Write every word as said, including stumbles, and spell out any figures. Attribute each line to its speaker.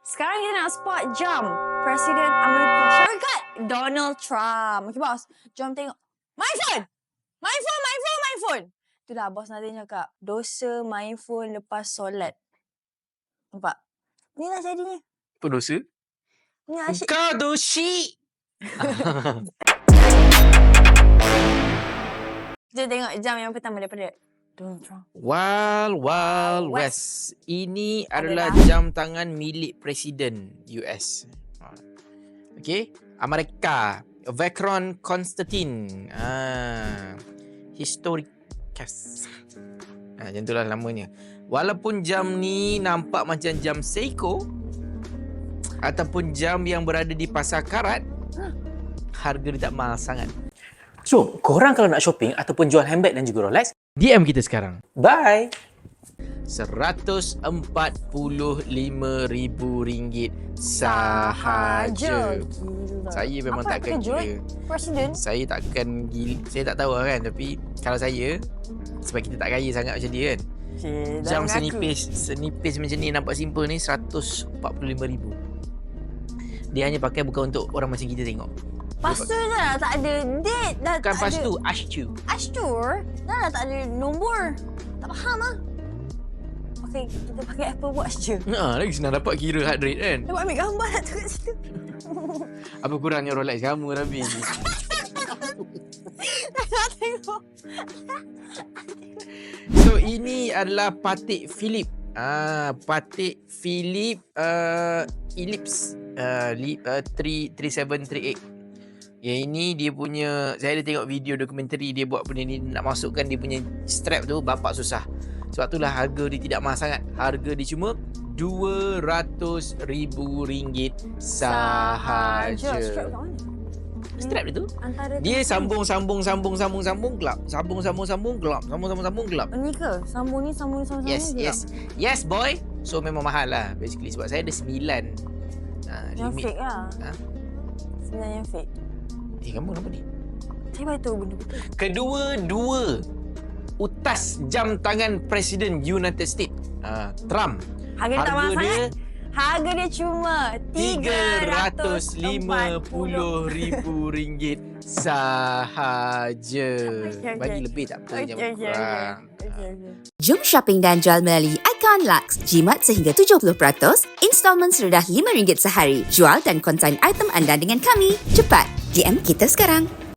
Speaker 1: Sekarang kita nak spot jam Presiden Amerika Syarikat Donald Trump. Okay, bos. Jom tengok. My phone! My phone, my phone, my phone! Itulah bos nanti cakap. Dosa main phone lepas solat. Nampak? Inilah jadinya.
Speaker 2: Apa dosa?
Speaker 1: Ni asyik.
Speaker 2: Kau dosi!
Speaker 1: Kita tengok jam yang pertama daripada Donald Trump.
Speaker 2: Wild Wild
Speaker 1: West.
Speaker 2: West. Ini
Speaker 1: Adalah.
Speaker 2: adalah jam tangan milik Presiden U S. Okay. Amerika. Vacron Constantine. Ah, Historicus. Ah, macam itulah namanya. Walaupun jam ni nampak macam jam Seiko ataupun jam yang berada di pasar karat, harga dia tak mahal sangat.
Speaker 3: So, korang kalau nak shopping ataupun jual handbag dan juga Rolex,
Speaker 2: D M kita sekarang.
Speaker 3: bye!
Speaker 2: seratus empat puluh lima ribu ringgit sahaja.
Speaker 1: Gila.
Speaker 2: Saya memang
Speaker 1: Apa
Speaker 2: takkan
Speaker 1: terkejut?
Speaker 2: gila.
Speaker 1: Presiden.
Speaker 2: Saya takkan gila. Saya tak tahu lah kan. Tapi kalau saya, sebab kita tak kaya sangat macam dia kan.
Speaker 1: Cik, dah
Speaker 2: Jam
Speaker 1: mengaku.
Speaker 2: senipis Senipis macam ni, nampak simple ni, seratus empat puluh lima ribu. Dia hanya pakai bukan untuk orang macam kita tengok.
Speaker 1: Lepas tu dah tak ada date. Dah
Speaker 2: Bukan
Speaker 1: tak
Speaker 2: pas
Speaker 1: ada.
Speaker 2: tu, Ashtu.
Speaker 1: Ashtur. Dah, dah tak ada nombor. Tak faham lah. Okay, kita pakai Apple Watch je.
Speaker 2: Ha, lagi senang dapat kira heart rate kan.
Speaker 1: Dapat ambil gambar lah tu kat situ.
Speaker 2: Apa kurangnya Rolex kamu tapi.
Speaker 1: Nak tengok.
Speaker 2: So ini adalah Patek Philippe. Ah, Patek Philippe uh, Ellipse uh, li, uh, tiga tiga tujuh tiga lapan. Yang ini dia punya, saya ada tengok video dokumentari dia buat benda ni, nak masukkan dia punya strap tu bapak susah. Sebab itulah harga dia tidak mahal sangat. Harga dia cuma dua ratus ribu ringgit sahaja.
Speaker 1: Strap kat mana?
Speaker 2: Strap dia tu.
Speaker 1: Antara
Speaker 2: Dia
Speaker 1: tu-
Speaker 2: sambung sambung sambung sambung sambung gelap. Sambung sambung sambung gelap. Sambung sambung sambung gelap.
Speaker 1: Ni ke? Sambung ni, sambung ni, sambung
Speaker 2: Yes,
Speaker 1: ni.
Speaker 2: yes. Yes, boy. So memang mahal lah basically sebab saya ada sembilan. Ha,
Speaker 1: Yang
Speaker 2: limit.
Speaker 1: fake lah.
Speaker 2: Ha?
Speaker 1: Sebenarnya yang fake.
Speaker 2: Eh, kamu kenapa ni?
Speaker 1: Saya baru tahu benda betul.
Speaker 2: Kedua-dua utas jam tangan Presiden United States, uh, Trump.
Speaker 1: Harga dia tak mahal
Speaker 2: Harga dia
Speaker 1: sangat. Harga dia cuma
Speaker 2: tiga ratus lima puluh ribu ringgit sahaja.
Speaker 1: okay,
Speaker 2: Bagi
Speaker 1: okay.
Speaker 2: lebih tak apa,
Speaker 1: Okey,
Speaker 2: jangan
Speaker 1: okey, okey.
Speaker 2: kurang.
Speaker 1: Okey, okey.
Speaker 4: Jom shopping dan jual melalui Icon Lux. Jimat sehingga tujuh puluh peratus, installment serendah lima ringgit sehari. Jual dan konsign item anda dengan kami. Cepat, D M kita sekarang.